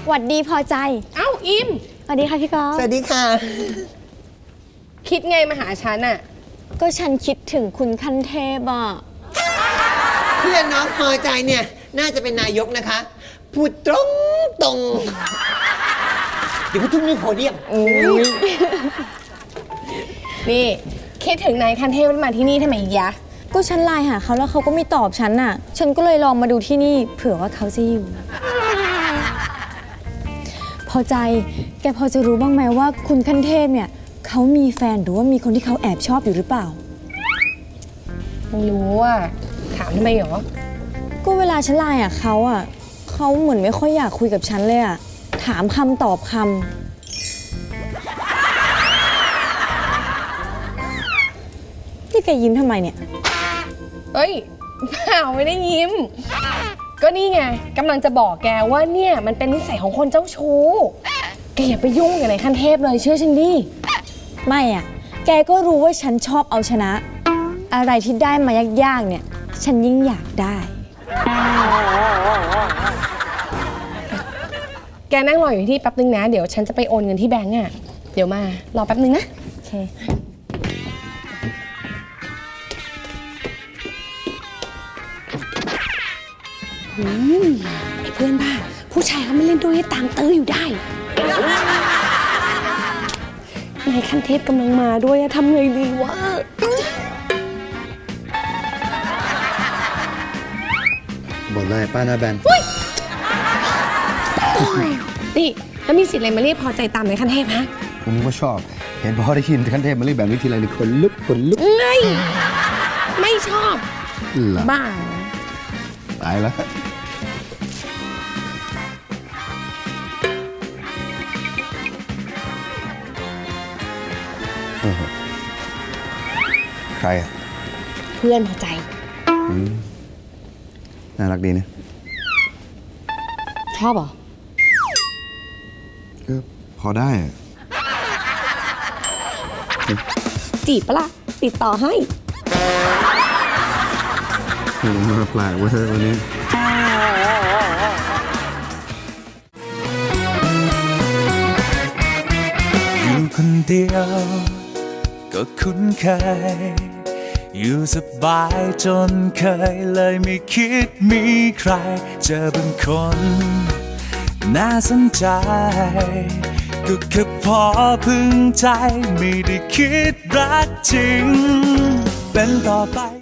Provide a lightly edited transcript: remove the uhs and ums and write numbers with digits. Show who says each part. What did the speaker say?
Speaker 1: หวัดดีพอใจ
Speaker 2: เอ้าอิม
Speaker 1: สวัสดีค่ะพี่ก๊อฟ
Speaker 3: สวัสดีค่ะ
Speaker 2: คิดไงมาหาฉันอะ
Speaker 1: ก็ฉันคิดถึงคุณขั้นเทพอ่ะ
Speaker 3: เพื่อนน้องพอใจเนี่ยน่าจะเป็นนายกนะคะพูดตรงเดี๋ยวพูดทุกนี้โพเดียม
Speaker 2: นี่คิดถึงนายคันเทพมาที่นี่ทำไมยะ
Speaker 1: ก็ฉันไลน์หาเขาแล้วเขาก็ไม่ตอบฉันน่ะฉันก็เลยลองมาดูที่นี่เผื่อว่าเขาจะอยู่พอใจแกพอจะรู้บ้างไหมว่าคุณขั้นเทพเนี่ยเขามีแฟนหรือว่ามีคนที่เขาแอบชอบอยู่หรือเปล่า
Speaker 2: ไม่รู้อ่ะถามทำไมหรอ
Speaker 1: ก็เวลาฉันไลน์เขาเหมือนไม่ค่อยอยากคุยกับฉันเลยอ่ะถามคำตอบคำนี่แกยิ้มทำไมเนี่ย
Speaker 2: เอ้ยเปล่าไม่ได้ยิ้มก็นี่ไงกำลังจะบอกแกว่าเนี่ยมันเป็นนิสัยของคนเจ้าชู้แกอย่าไปยุ่งกับนายขั้นเทพเลยเชื่อฉันดิ
Speaker 1: ไม่อ่ะแกก็รู้ว่าฉันชอบเอาชนะอะไรที่ได้มายากๆเนี่ยฉันยิ่งอยากได้
Speaker 2: แกนั่งรออยู่ที่แป๊บนึงนะเดี๋ยวฉันจะไปโอนเงินที่แบงก์อ่ะเดี๋ยวมารอแป๊บนึงนะ
Speaker 1: โอเค
Speaker 2: ไอ้เพื่อนบ้าผู้ชายเขาไม่เล่นด้วยให้ตามตื้ออยู่ได้นายขั้นเทพกำลังมาด้วยทำไงดีวะ
Speaker 4: บอกเลยป้าหน้าแบน
Speaker 2: นี่แล้วมีสิทธิ์อะไรมาเรียกพอใจตามนายขั้นเทพฮะ
Speaker 4: ผมนึกว่าชอบเห็นพอได้ยินขั้นเทพมาเรียกแบบนี้ทีไรนี่คนลุก
Speaker 2: ไม่ชอบบ้า
Speaker 4: ตายแล้วใครอะ
Speaker 2: เพื่อนพอใจ
Speaker 4: น่ารักดีนะ
Speaker 2: ชอบเหรอ
Speaker 4: ก็พอได้
Speaker 2: จีบปะล่ะติดต่อให้
Speaker 4: มาแปลกเว้ยวันนี้
Speaker 5: อยู่คนเดียวก็คุ้นเคยอยู่สบายจนเคยเลยไม่คิดมีใครเจอเป็นคนน่าสนใจก็แค่พอพึงใจไม่ได้คิดรักจริงเป็นต่อไป